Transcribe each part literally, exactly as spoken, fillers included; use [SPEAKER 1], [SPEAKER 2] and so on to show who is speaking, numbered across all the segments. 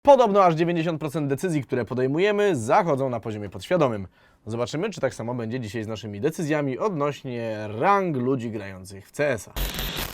[SPEAKER 1] Podobno aż dziewięćdziesiąt procent decyzji, które podejmujemy, zachodzą na poziomie podświadomym. Zobaczymy, czy tak samo będzie dzisiaj z naszymi decyzjami odnośnie rang ludzi grających w C S a.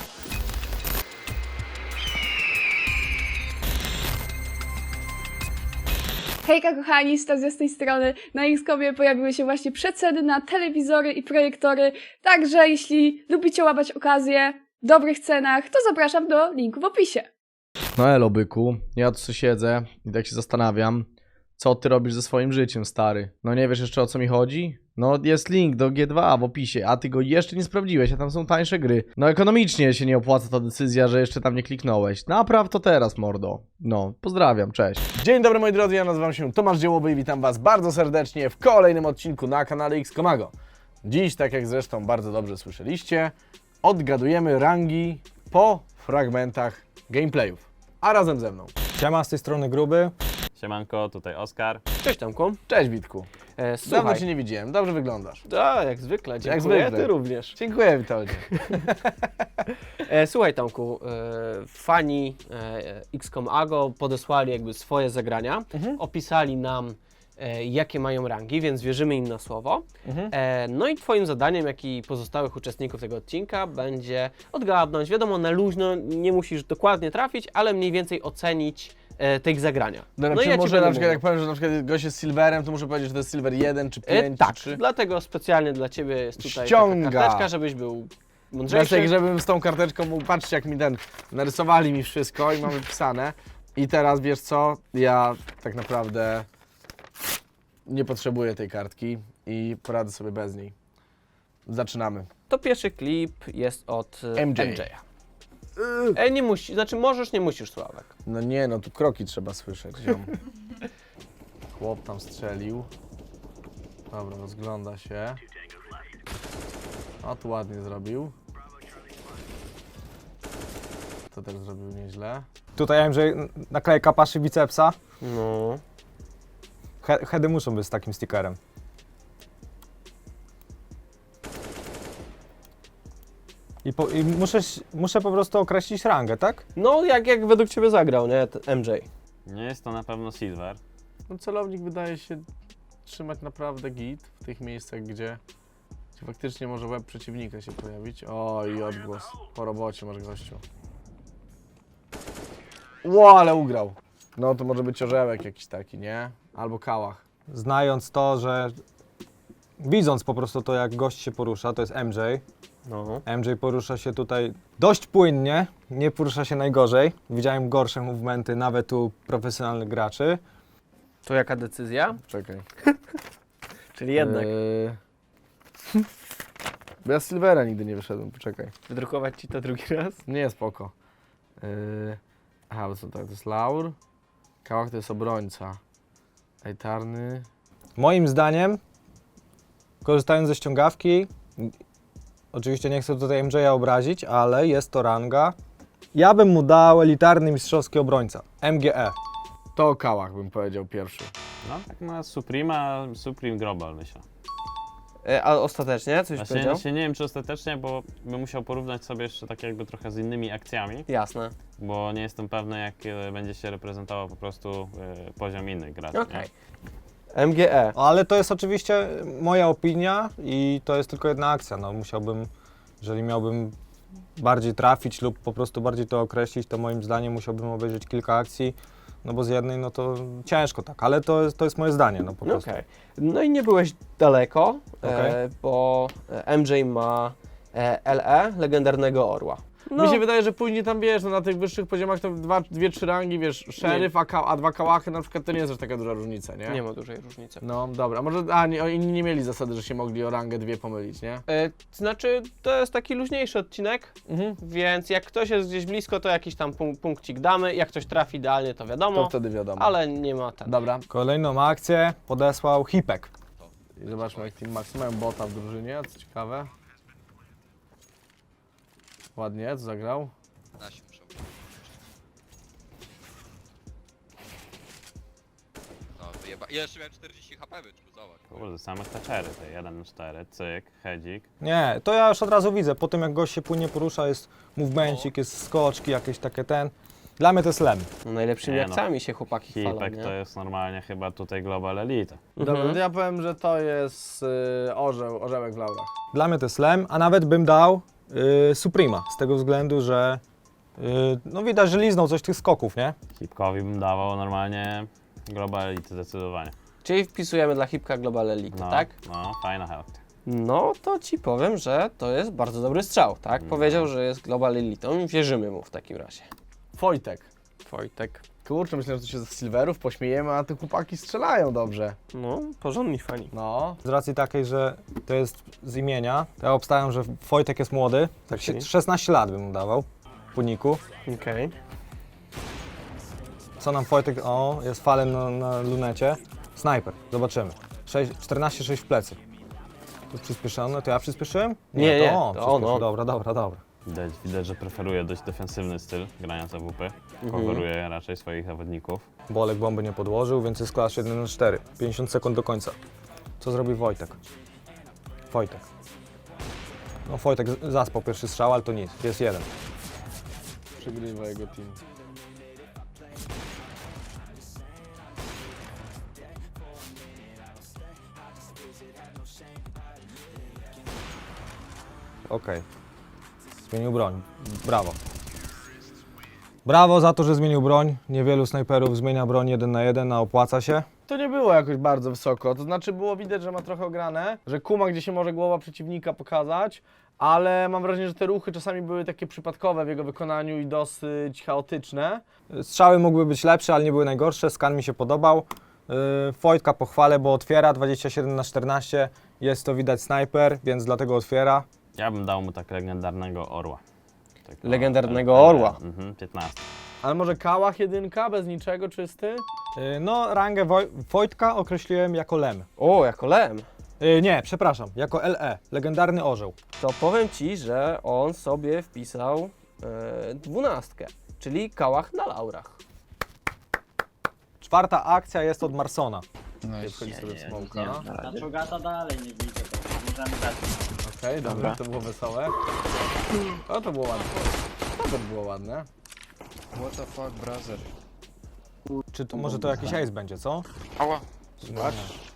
[SPEAKER 2] Hejka kochani, Stazja z tej strony. Na X komie pojawiły się właśnie przeceny na telewizory i projektory, także jeśli lubicie łapać okazję w dobrych cenach, to zapraszam do linku w opisie.
[SPEAKER 1] No elo byku, ja tu siedzę i tak się zastanawiam, co ty robisz ze swoim życiem, stary. No nie wiesz jeszcze, o co mi chodzi? No jest link do G dwa w opisie, a ty go jeszcze nie sprawdziłeś, a tam są tańsze gry. No ekonomicznie się nie opłaca ta decyzja, że jeszcze tam nie kliknąłeś. Napraw to teraz, mordo. No, pozdrawiam, cześć. Dzień dobry moi drodzy, ja nazywam się Tomasz Dziełowy i witam was bardzo serdecznie w kolejnym odcinku na kanale Xcomago. Dziś, tak jak zresztą bardzo dobrze słyszeliście, odgadujemy rangi po fragmentach gameplayów. A razem ze mną.
[SPEAKER 3] Siema, z tej strony Gruby.
[SPEAKER 4] Siemanko, tutaj Oskar.
[SPEAKER 5] Cześć Tomku.
[SPEAKER 1] Cześć Witku.
[SPEAKER 5] E,
[SPEAKER 1] Dawno
[SPEAKER 5] słuchaj.
[SPEAKER 1] Cię nie widziałem, dobrze wyglądasz.
[SPEAKER 5] A, jak zwykle, dziękuję,
[SPEAKER 1] Jak zwykle.
[SPEAKER 5] ty również.
[SPEAKER 1] Dziękuję, Witoldzie.
[SPEAKER 5] E, słuchaj Tomku, e, fani e, Xcomago podesłali jakby swoje zagrania,
[SPEAKER 1] Mhm.
[SPEAKER 5] opisali nam e, jakie mają rangi, więc wierzymy im na słowo.
[SPEAKER 1] Mhm.
[SPEAKER 5] E, no i twoim zadaniem, jak i pozostałych uczestników tego odcinka będzie odgadnąć, wiadomo na luźno, nie musisz dokładnie trafić, ale mniej więcej ocenić e, tych zagrania.
[SPEAKER 1] Dobra,
[SPEAKER 5] no
[SPEAKER 1] czy
[SPEAKER 5] i ja ci
[SPEAKER 1] może
[SPEAKER 5] będę
[SPEAKER 1] na przykład,
[SPEAKER 5] mówił.
[SPEAKER 1] jak powiem, że na przykład gość jest silverem, to muszę powiedzieć, że to jest silver jeden, czy
[SPEAKER 5] E,
[SPEAKER 1] pięć,
[SPEAKER 5] tak,
[SPEAKER 1] czy trzy?
[SPEAKER 5] dlatego specjalnie dla ciebie jest tutaj
[SPEAKER 1] Ściąga.
[SPEAKER 5] taka karteczka, żebyś był mądrzejszy.
[SPEAKER 1] Znaczy, żebym z tą karteczką mógł, patrzcie jak mi ten, narysowali mi wszystko i mamy pisane. I teraz wiesz co, ja tak naprawdę nie potrzebuję tej kartki i poradzę sobie bez niej. Zaczynamy.
[SPEAKER 5] To pierwszy klip jest od e,
[SPEAKER 1] M J.
[SPEAKER 5] M J a. E, nie musi, znaczy możesz, nie musisz, Sławek.
[SPEAKER 1] No nie, no tu kroki trzeba słyszeć, ziom. Chłop tam strzelił. Dobra, rozgląda się. O, tu ładnie zrobił. To też zrobił nieźle.
[SPEAKER 3] Tutaj M J naklejka paszy bicepsa.
[SPEAKER 5] No.
[SPEAKER 3] He heady muszą być z takim stickerem. I, po, i muszę, muszę po prostu określić rangę, tak?
[SPEAKER 5] No, jak, jak według ciebie zagrał, nie, ten M J?
[SPEAKER 4] Nie jest to na pewno Silver.
[SPEAKER 1] No celownik wydaje się trzymać naprawdę git w tych miejscach, gdzie, gdzie faktycznie może łeb przeciwnika się pojawić. O, i odgłos. Po robocie masz gościu. Ło, ale ugrał. No to może być orzełek jakiś taki, nie? Albo kałach.
[SPEAKER 3] Znając to, że widząc po prostu to, jak gość się porusza, to jest M J.
[SPEAKER 5] No.
[SPEAKER 3] M J porusza się tutaj dość płynnie, nie porusza się najgorzej. Widziałem gorsze movementy nawet u profesjonalnych graczy.
[SPEAKER 5] To jaka decyzja?
[SPEAKER 1] Czekaj.
[SPEAKER 5] Czyli jednak
[SPEAKER 1] Yy... Bo ja z Silvera nigdy nie wyszedłem, poczekaj.
[SPEAKER 5] wydrukować ci to drugi raz?
[SPEAKER 1] Nie, spoko. Yy... Aha, bo co tak, to jest laur. Kałach to jest obrońca. Ejtarny.
[SPEAKER 3] Moim zdaniem, korzystając ze ściągawki, oczywiście nie chcę tutaj M J a obrazić, ale jest to ranga. Ja bym mu dał elitarny mistrzowski obrońca, M G E.
[SPEAKER 1] To kałach bym powiedział pierwszy.
[SPEAKER 4] No tak na Suprema, Supreme Global myślę.
[SPEAKER 5] E, a ostatecznie coś
[SPEAKER 4] Właśnie,
[SPEAKER 5] powiedział?
[SPEAKER 4] właśnie nie wiem czy ostatecznie, bo bym musiał porównać sobie jeszcze tak jakby trochę z innymi akcjami,
[SPEAKER 5] Jasne.
[SPEAKER 4] bo nie jestem pewny jak e, będzie się reprezentował po prostu e, poziom innych graczy.
[SPEAKER 5] Okej.
[SPEAKER 4] nie?
[SPEAKER 5] M G E.
[SPEAKER 3] Ale to jest oczywiście moja opinia i to jest tylko jedna akcja. No, musiałbym, jeżeli miałbym bardziej trafić lub po prostu bardziej to określić, to moim zdaniem musiałbym obejrzeć kilka akcji, no bo z jednej no to ciężko tak, ale to jest, to jest moje zdanie, no po
[SPEAKER 5] No
[SPEAKER 3] prostu.
[SPEAKER 5] okej. No i nie byłeś daleko,
[SPEAKER 3] Okej.
[SPEAKER 5] e, bo M J ma e, L E, legendarnego orła. No,
[SPEAKER 1] Mi się wydaje, że później tam wiesz, no na tych wyższych poziomach to dwa, dwie, trzy rangi, wiesz, szeryf, a, ka- a dwa kałachy na przykład to nie jest aż taka duża różnica, nie?
[SPEAKER 5] nie ma dużej różnicy.
[SPEAKER 1] No dobra, może a, nie, o, inni nie mieli zasady, że się mogli o rangę dwie pomylić, nie?
[SPEAKER 5] E, znaczy, to jest taki luźniejszy odcinek,
[SPEAKER 1] Mhm.
[SPEAKER 5] więc jak ktoś jest gdzieś blisko, to jakiś tam punk- punkcik damy. Jak ktoś trafi idealnie, to
[SPEAKER 1] To
[SPEAKER 5] wiadomo,
[SPEAKER 1] wtedy wiadomo.
[SPEAKER 5] ale nie ma ten.
[SPEAKER 1] Dobra,
[SPEAKER 3] Kolejną akcję podesłał Hipek.
[SPEAKER 1] i zobaczmy jak Team Max mają bota w drużynie, co ciekawe. Ładnie, co zagrał?
[SPEAKER 6] Nasi muszą. No wyjeba. I jeszcze miałem czterdzieści H P wyczuł, zobacz.
[SPEAKER 4] Kurde, same taczery, te jeden na cztery, cyk, hedzik.
[SPEAKER 3] Nie, to ja już od razu widzę, po tym jak gość się płynnie porusza, jest movemencik, jest skoczki, jakieś takie ten. Dla mnie to jest lem.
[SPEAKER 5] No, najlepszymi
[SPEAKER 4] Nie no.
[SPEAKER 5] akcjami się chłopaki chwalą,
[SPEAKER 4] Hipek
[SPEAKER 5] nie?
[SPEAKER 4] to jest normalnie chyba tutaj Global Elite.
[SPEAKER 1] Dobra,
[SPEAKER 5] Mhm.
[SPEAKER 1] to ja powiem, że to jest y, orzeł, orzełek w laurach.
[SPEAKER 3] Dla mnie to jest lem, a nawet bym dał y, Suprema, z tego względu, że y, no widać, że liznął coś tych skoków, nie?
[SPEAKER 4] Hipkowi bym dawał normalnie Global Elite zdecydowanie.
[SPEAKER 5] Czyli wpisujemy dla Hipka Global Elite,
[SPEAKER 4] No,
[SPEAKER 5] tak?
[SPEAKER 4] no, fajna health.
[SPEAKER 5] No to ci powiem, że to jest bardzo dobry strzał, tak?
[SPEAKER 4] No.
[SPEAKER 5] Powiedział, że jest Global Elitą i wierzymy mu w takim razie.
[SPEAKER 1] Wojtek.
[SPEAKER 5] Wojtek.
[SPEAKER 1] Kurczę, myślę, że to się z silverów pośmiejemy, a te chłopaki strzelają dobrze.
[SPEAKER 5] No, porządni fani.
[SPEAKER 1] No.
[SPEAKER 3] Z racji takiej, że to jest z imienia, to ja obstawiam, że Wojtek jest młody, tak
[SPEAKER 5] Okej.
[SPEAKER 3] szesnaście lat bym mu dawał w uniku.
[SPEAKER 5] Okej.
[SPEAKER 3] Co nam Wojtek, o, jest falem na, na lunecie. Snajper, zobaczymy. czternaście sześć w plecy. Tu przyspieszone, to ja przyspieszyłem?
[SPEAKER 5] Nie, nie,
[SPEAKER 3] to on,
[SPEAKER 5] to on,
[SPEAKER 3] przyspieszył.
[SPEAKER 5] on.
[SPEAKER 3] Dobra, dobra, dobra.
[SPEAKER 4] Widać, widać, że preferuje dość defensywny styl grania C W P. Coveruje raczej swoich zawodników.
[SPEAKER 3] Bolek bomby nie podłożył, więc jest klasz jeden na cztery. pięćdziesiąt sekund do końca. Co zrobi Wojtek? Wojtek. No Wojtek z- zaspał pierwszy strzał, ale to nic, jest jeden.
[SPEAKER 1] Przegrywa jego team.
[SPEAKER 3] Okej. Zmienił broń. Brawo. Brawo za to, że zmienił broń. Niewielu snajperów zmienia broń jeden na jeden, a opłaca się.
[SPEAKER 1] To nie było jakoś bardzo wysoko, to znaczy było widać, że ma trochę ograne, że kuma, gdzie się może głowa przeciwnika pokazać, ale mam wrażenie, że te ruchy czasami były takie przypadkowe w jego wykonaniu i dosyć chaotyczne.
[SPEAKER 3] Strzały mogły być lepsze, ale nie były najgorsze. Skan mi się podobał. Yy, Wojtka pochwalę, bo otwiera dwadzieścia siedem na czternaście. Jest to widać snajper, więc dlatego otwiera.
[SPEAKER 4] Ja bym dał mu tak legendarnego orła. Tak,
[SPEAKER 5] Legendarnego
[SPEAKER 4] e, e,
[SPEAKER 5] orła.
[SPEAKER 4] Mhm, piętnaście.
[SPEAKER 1] Ale może Kałach jedynka, bez niczego, czysty?
[SPEAKER 3] Yy, no, rangę Woj- Wojtka określiłem jako lem.
[SPEAKER 5] O, jako lem.
[SPEAKER 3] Yy, nie, przepraszam, jako L E. Legendarny orzeł.
[SPEAKER 5] To powiem ci, że on sobie wpisał e, dwunastkę, czyli kałach na laurach.
[SPEAKER 3] Czwarta akcja jest od Marsona.
[SPEAKER 1] Nie, wchodzi sobie w smoka.
[SPEAKER 7] Na Czogata dalej nie widzę, to możemy dać.
[SPEAKER 1] Okej, dobra, to było wesołe. O, to było ładne. O, to było ładne.
[SPEAKER 6] What the fuck, brother?
[SPEAKER 3] Czy to, może to jakiś ace będzie, co?
[SPEAKER 6] Ała.
[SPEAKER 1] Zobacz.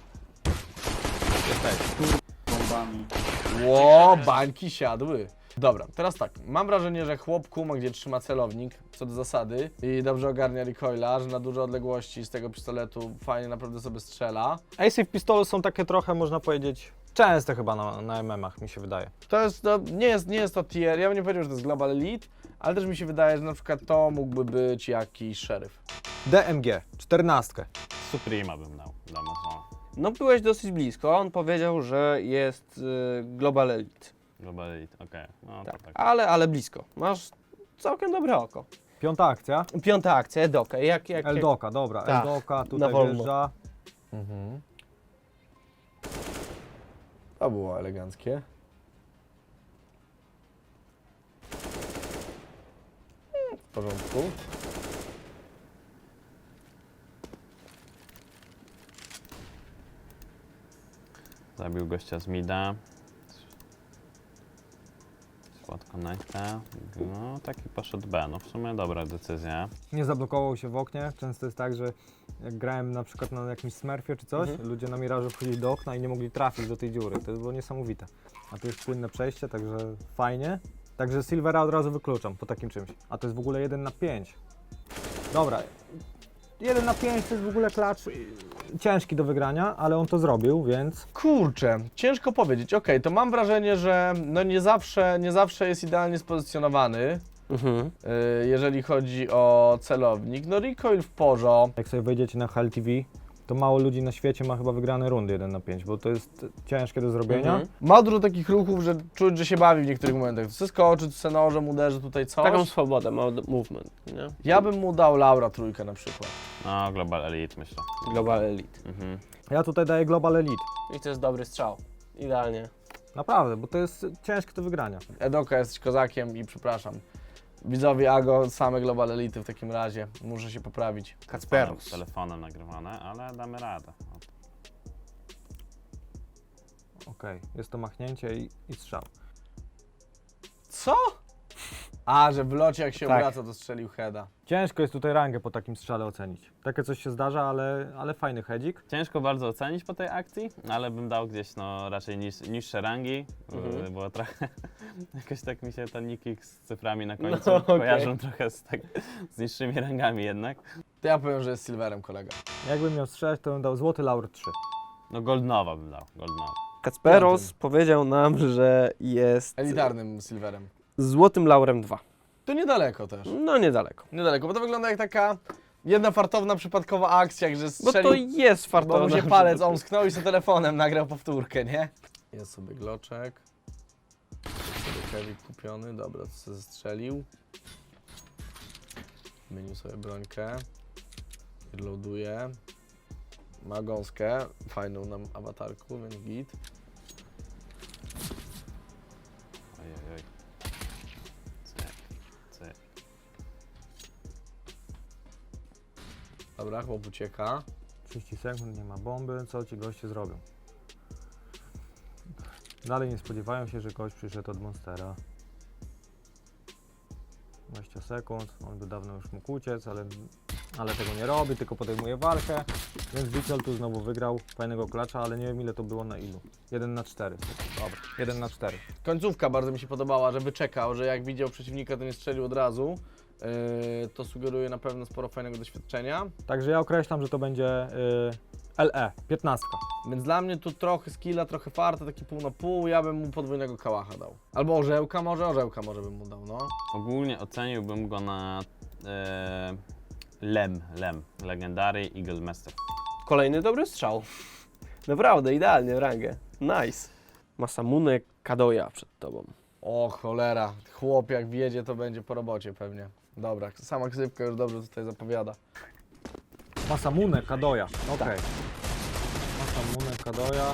[SPEAKER 7] Bombami.
[SPEAKER 1] Ło, bańki siadły. Dobra, teraz tak, mam wrażenie, że chłop kuma, gdzie trzyma celownik, co do zasady, i dobrze ogarnia recoila, że na duże odległości z tego pistoletu fajnie naprawdę sobie strzela.
[SPEAKER 3] Ace w pistolu są takie trochę, można powiedzieć, częste chyba na, na M M ach, mi się wydaje.
[SPEAKER 1] To jest, to nie jest, nie jest to tier, ja bym nie powiedział, że to jest Global Elite, ale też mi się wydaje, że na przykład to mógłby być jakiś szeryf.
[SPEAKER 3] D M G, czternastkę.
[SPEAKER 4] Suprema bym dał dla Masona.
[SPEAKER 5] No byłeś dosyć blisko, on powiedział, że jest y, Global Elite.
[SPEAKER 4] Global Elite, okej. No
[SPEAKER 5] Tak,
[SPEAKER 4] to tak.
[SPEAKER 5] ale, ale blisko. Masz całkiem dobre oko.
[SPEAKER 3] Piąta akcja.
[SPEAKER 5] Piąta akcja, Edoka. Jak, jak, jak...
[SPEAKER 3] Eldoka, dobra,
[SPEAKER 5] Tak,
[SPEAKER 3] Eldoka
[SPEAKER 5] na
[SPEAKER 3] tutaj
[SPEAKER 5] wolno.
[SPEAKER 3] wjeżdża.
[SPEAKER 1] Mhm. To było eleganckie. W porządku.
[SPEAKER 4] Zabił gościa z mida. Squad connecta. No taki poszedł B. No w sumie dobra decyzja.
[SPEAKER 3] Nie zablokował się w oknie. Często jest tak, że jak grałem na przykład na jakimś smurfie czy coś,
[SPEAKER 5] Mhm.
[SPEAKER 3] ludzie na mirażu wchodzili do okna i nie mogli trafić do tej dziury. To było niesamowite. A tu jest płynne przejście, także fajnie. Także Silvera od razu wykluczam po takim czymś. A to jest w ogóle jeden na pięć. Dobra. jeden na pięć to jest w ogóle klacz y, ciężki do wygrania, ale on to zrobił, więc
[SPEAKER 1] Kurczę, ciężko powiedzieć. Okej, to mam wrażenie, że no nie zawsze, nie zawsze jest idealnie spozycjonowany,
[SPEAKER 5] Mhm.
[SPEAKER 1] yy, jeżeli chodzi o celownik. No recoil w porządku.
[SPEAKER 3] jak sobie wejdziecie na H L T V, to mało ludzi na świecie ma chyba wygrane rundy jeden na pięć, bo to jest ciężkie do zrobienia.
[SPEAKER 5] Mhm.
[SPEAKER 1] Ma dużo takich ruchów, że czuć, że się bawi w niektórych momentach. Tu skoczy, tu se nożem uderzy, tutaj coś.
[SPEAKER 5] Taką swobodę, ma movement, nie?
[SPEAKER 1] Ja bym mu dał Laura trójkę na przykład.
[SPEAKER 4] No Global Elite myślę.
[SPEAKER 5] Global Elite.
[SPEAKER 4] Mhm.
[SPEAKER 3] Ja tutaj daję Global Elite.
[SPEAKER 5] I to jest dobry strzał. Idealnie.
[SPEAKER 3] Naprawdę, bo to jest ciężkie do wygrania.
[SPEAKER 1] Edoka, jesteś kozakiem i przepraszam. Widzowie Ago, same Global Elity w takim razie. Muszę się poprawić.
[SPEAKER 4] Telefonem, telefonem nagrywane, ale damy radę. No.
[SPEAKER 3] Okej, jest to machnięcie i, i strzał.
[SPEAKER 1] Co? A, że w locie jak się
[SPEAKER 5] Tak.
[SPEAKER 1] obraca, to strzelił heada.
[SPEAKER 3] Ciężko jest tutaj rangę po takim strzale ocenić. Takie coś się zdarza, ale, ale fajny hedzik.
[SPEAKER 4] Ciężko bardzo ocenić po tej akcji, ale bym dał gdzieś no raczej niż, niższe rangi,
[SPEAKER 5] Mhm.
[SPEAKER 4] y, bo trochę jakoś tak mi się te niki z cyframi na końcu
[SPEAKER 5] No, okej.
[SPEAKER 4] kojarzą trochę z, tak, z niższymi rangami jednak.
[SPEAKER 1] To ja powiem, że jest silverem kolega.
[SPEAKER 3] Jakbym miał strzelać, to bym dał złoty laur trzy.
[SPEAKER 4] No Goldnowa bym dał, Goldnowa.
[SPEAKER 5] Kacperos
[SPEAKER 1] Piątym.
[SPEAKER 5] powiedział nam, że jest
[SPEAKER 1] Elitarnym silverem.
[SPEAKER 5] złotym laurem dwa.
[SPEAKER 1] To niedaleko też.
[SPEAKER 5] No niedaleko.
[SPEAKER 1] Niedaleko, bo to wygląda jak taka jedna fartowna, przypadkowa akcja, że
[SPEAKER 5] Bo
[SPEAKER 1] strzelił,
[SPEAKER 5] to jest
[SPEAKER 1] bo
[SPEAKER 5] fartowne.
[SPEAKER 1] mu się palec omsknął i sobie telefonem nagrał powtórkę, nie? Jest sobie gloczek. Sobie kewik kupiony, dobra, to sobie zestrzelił. Zmienił sobie brońkę. Reloaduje. Ma gąskę, fajną nam awatarku, więc git.
[SPEAKER 4] Ojej, oj. Cyk, cyk.
[SPEAKER 1] Dobra, chłop ucieka.
[SPEAKER 3] trzydzieści sekund, nie ma bomby, co ci goście zrobią? Dalej nie spodziewają się, że gość przyszedł od Monstera. dwadzieścia sekund, on by dawno już mógł uciec, ale, ale tego nie robi, tylko podejmuje walkę. Więc Wicel tu znowu wygrał fajnego klacza, ale nie wiem ile to było na ilu. jeden na cztery. Dobra, jeden na cztery.
[SPEAKER 1] Końcówka bardzo mi się podobała, że wyczekał, że jak widział przeciwnika, to nie strzelił od razu. Yy, to sugeruje na pewno sporo fajnego doświadczenia.
[SPEAKER 3] Także ja określam, że to będzie y, L E, piętnaście.
[SPEAKER 1] Więc dla mnie tu trochę skilla, trochę farta, taki pół na pół. Ja bym mu podwójnego kałacha dał. Albo orzełka, może orzełka może bym mu dał, no.
[SPEAKER 4] Ogólnie oceniłbym go na e, Lem, Lem, Legendary Eagle Master.
[SPEAKER 5] Kolejny dobry strzał. Naprawdę, idealnie w rangę. Nice. Masamune Kadoya przed tobą.
[SPEAKER 1] O cholera, chłop jak wjedzie, to będzie po robocie pewnie. Dobra, sama ksywka już dobrze tutaj zapowiada.
[SPEAKER 3] Masamune Kadoya, okej. Masamune Kadoya.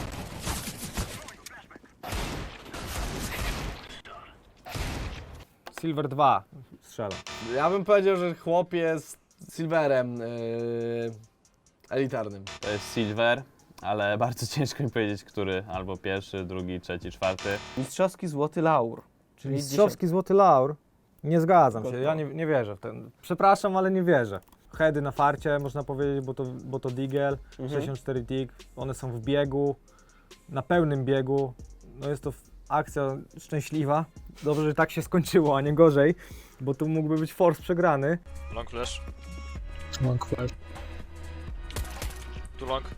[SPEAKER 3] Silver dwa strzela.
[SPEAKER 1] Ja bym powiedział, że chłop jest silverem yy, elitarnym.
[SPEAKER 4] To jest Silver, ale bardzo ciężko mi powiedzieć, który, albo pierwszy, drugi, trzeci, czwarty.
[SPEAKER 5] Mistrzowski złoty laur.
[SPEAKER 3] Czyli mistrzowski złoty laur. Nie zgadzam się, ja nie, nie wierzę w ten. Przepraszam, ale nie wierzę. Heady na farcie, można powiedzieć, bo to, bo to Deagle,
[SPEAKER 5] Mhm.
[SPEAKER 3] sześćdziesiąt cztery tick, one są w biegu, na pełnym biegu. No jest to f- akcja szczęśliwa. Dobrze, że tak się skończyło, a nie gorzej, bo tu mógłby być force przegrany.
[SPEAKER 8] Long flash.
[SPEAKER 9] Long flash.
[SPEAKER 8] Tu long.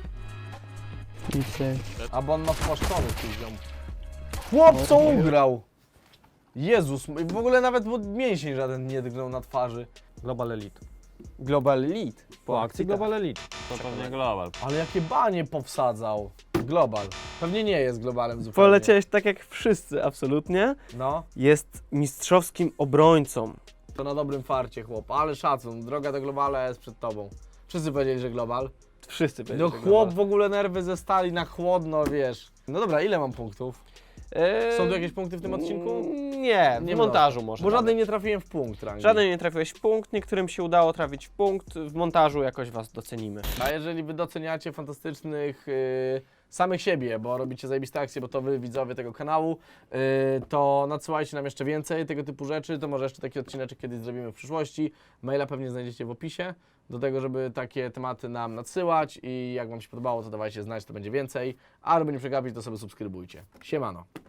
[SPEAKER 1] A bo on ma spłaszczony poziom. Chłop co ugrał! Jezus, w ogóle nawet mu mięsień żaden nie drgnął na twarzy.
[SPEAKER 3] Global Elite.
[SPEAKER 5] Global Elite.
[SPEAKER 3] Po akcji Global Elite.
[SPEAKER 4] To pewnie Global.
[SPEAKER 1] Ale jakie banie powsadzał. Global. Pewnie nie jest globalem zupełnie.
[SPEAKER 5] Poleciałeś tak jak wszyscy, absolutnie.
[SPEAKER 1] No,
[SPEAKER 5] Jest mistrzowskim obrońcą.
[SPEAKER 1] to na dobrym farcie chłop. Ale szacun, droga do globala jest przed tobą. Wszyscy powiedzieli, że global.
[SPEAKER 5] Wszyscy
[SPEAKER 1] No
[SPEAKER 5] powiedzieli, że
[SPEAKER 1] chłop
[SPEAKER 5] global.
[SPEAKER 1] w ogóle nerwy ze stali na chłodno, wiesz. No dobra, ile mam punktów?
[SPEAKER 5] Eee,
[SPEAKER 1] Są tu jakieś punkty w tym odcinku?
[SPEAKER 5] Nie, w
[SPEAKER 1] Nie
[SPEAKER 5] montażu może.
[SPEAKER 1] Bo
[SPEAKER 5] nawet.
[SPEAKER 1] żadnej nie trafiłem w punkt rangi.
[SPEAKER 5] Żaden nie trafiłeś w punkt, niektórym się udało trafić w punkt. W montażu jakoś was docenimy.
[SPEAKER 1] A jeżeli wy doceniacie fantastycznych yy, samych siebie, bo robicie zajebiste akcje, bo to wy widzowie tego kanału, yy, to nadsyłajcie nam jeszcze więcej tego typu rzeczy, to może jeszcze taki odcineczek kiedyś zrobimy w przyszłości. Maila pewnie znajdziecie w opisie do tego, żeby takie tematy nam nadsyłać i jak wam się podobało, to dawajcie znać, to będzie więcej, a żeby nie przegapić, to sobie subskrybujcie. Siemano.